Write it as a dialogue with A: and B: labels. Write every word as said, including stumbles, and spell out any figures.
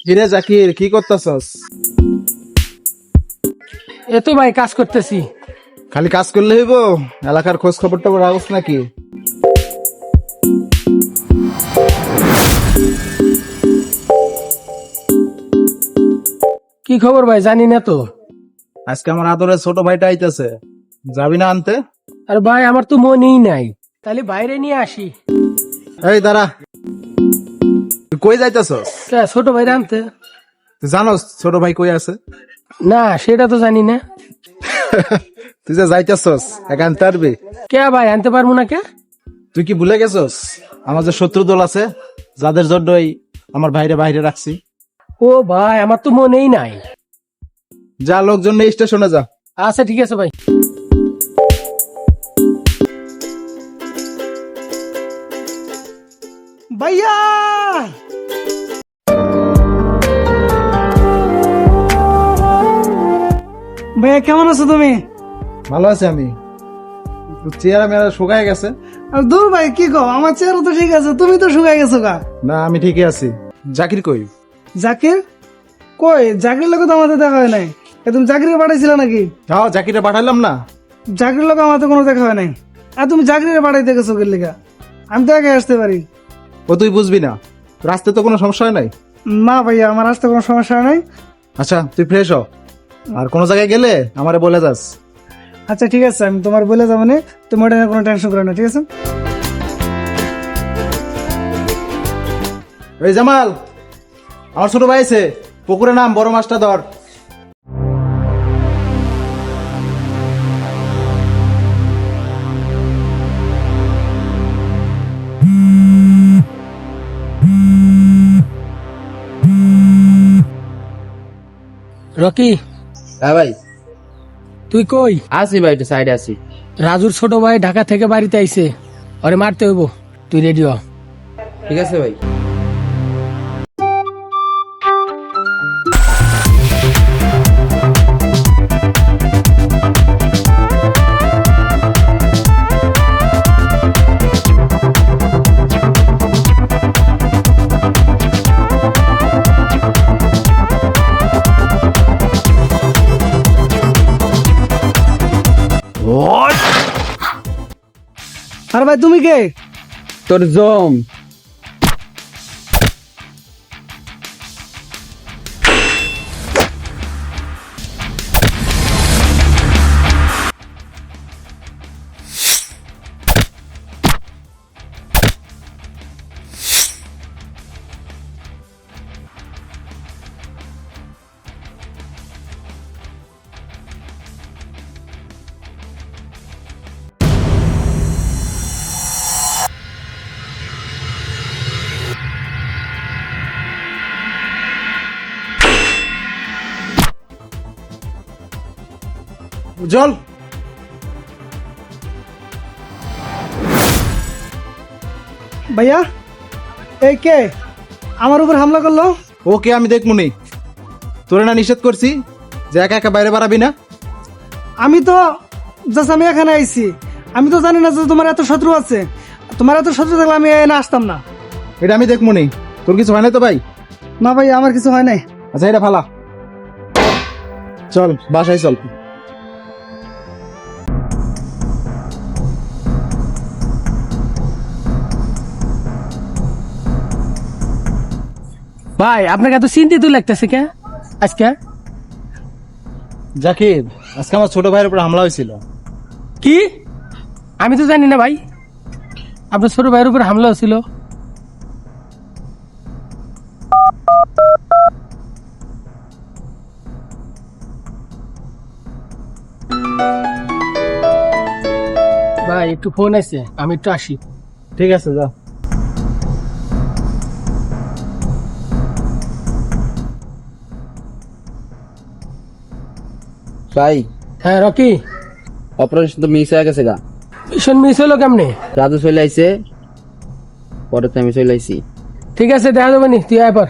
A: কিরে জাকির, কি করতেছস?
B: এ তো ভাই কাজ করতেছি।
A: খালি কাজ করলে হইব? এলাকার খোঁজ খবর টবর রাখছ নাকি?
B: কি খবর ভাই জানি না তো।
A: আজকে আমার আদরের ছোট ভাইটা আইতেছে, যাবি না আনতে?
B: আর ভাই আমার তো মনেই নাই, তাহলে বাইরে নিয়ে আসি।
A: এই দাঁড়া, তুই কই যাইতেছস?
B: কে, ছোট ভাইরে আনতে?
A: তুই জানোস ছোট ভাই কই আছে?
B: না সেটা তো জানি না।
A: তুই যে যাইতেছস একা আনতে পারবি?
B: কে ভাই আনতে পারবো না কে?
A: তুই কি ভুলে গেছস আমার যে শত্রু দল আছে, যাদের জন্যই আমার ভাইরে বাইরে রাখছি?
B: ও ভাই আমার তো মনেই নাই।
A: যা, লোকজন নিয়ে স্টেশনে যা।
B: আচ্ছা ঠিক আছে ভাই।
C: ভাইয়া ভাইয়া কেমন আছো তুমি?
A: ভালো আছি আমি। চেহারা মেয়ারা শুকায় গেছে।
C: আর দূর ভাই কি কও, আমার চেহারা তো ঠিক আছে, তুমি তো শুকাই গেছো গা।
A: না আমি ঠিকই আছি। জাকির কই?
C: জাকির কই? জাকির লোক তো আমাদের দেখা হয় নাই। এ তুমি জাকিরে পাঠাইছিল নাকি?
A: যাও, জাকিরে পাঠাইলাম না।
C: জাকির লোক আমাদের কোনো দেখা হয় নাই। আর তুমি জাকিরে পাঠাইতে গেছো কি লিগা? আমি তো একা আসতে পারি।
A: ও তুই বুঝবি না, রাস্তায় তো কোনো সমস্যা হয় নাই।
C: না ভাইয়া আমার আসতে কোনো সমস্যা নাই।
A: আচ্ছা তুই ফ্রেশ হ, আর কোনো জায়গায় গেলে আমারে বলে যাস।
C: আচ্ছা ঠিক আছে, আমি তোমার বলে যাবো না, তুমি ওটা নিয়ে কোনো টেনশন করো না, ঠিক আছে?
A: এই জামাল, আমার ছোট ভাই আছে, পুকুরে নাম, বড় মাছটা ধর।
B: রকি
D: হ্যাঁ ভাই,
B: তুই কই?
D: আসি ভাই, একটু সাইডে আসি।
B: রাজুর ছোট ভাই ঢাকা থেকে বাড়িতে আইছে, ওরে মারতে হইব, তুই রেডি হ।
D: ঠিক আছে ভাই।
C: আর ভাই তুমি কে?
D: তোর জম।
A: জল।
C: ভাইয়া এই কে আমার উপর হামলা করলো?
A: ওকে আমি দেখমুনি, তোরে না নিষেধ করছি যে একা একা বাইরে বাড়াবি না?
C: আমি তো জাস্ট আমি এখানে আইছি, আমি তো জানি না যে তোমার এত শত্রু আছে। তোমার এত শত্রু থাকলে আমি এখানে আসতাম না।
A: এটা আমি দেখমুনি। তোর কিছু হয় না তো ভাই?
C: না ভাই আমার কিছু হয় নাই।
A: আচ্ছা এটা ফালা, চল বাসায় চল।
B: ভাই আপনাকে এত চিন্তিত লাগতেছে কে আজকে?
A: জাকির, আজকে আমার ছোট ভাইয়ের উপর হামলা হয়েছিল।
B: কি? আমি তো জানি না ভাই, আপনার ছোট ভাইয়ের উপর হামলা হয়েছিল। ভাই একটু ফোন আছে, আমি একটু আসি।
A: ঠিক আছে যা।
D: ভাই
B: হ্যাঁ রকি,
D: অপারেশন তো মিস হয়ে গেছে গা।
B: মিশন মিস হলো কেমনে?
D: রাজু চলে আইছে, পরে তো আমি চলে আইছি।
B: ঠিক আছে দেখা যাবে নি, তুই আয় পর।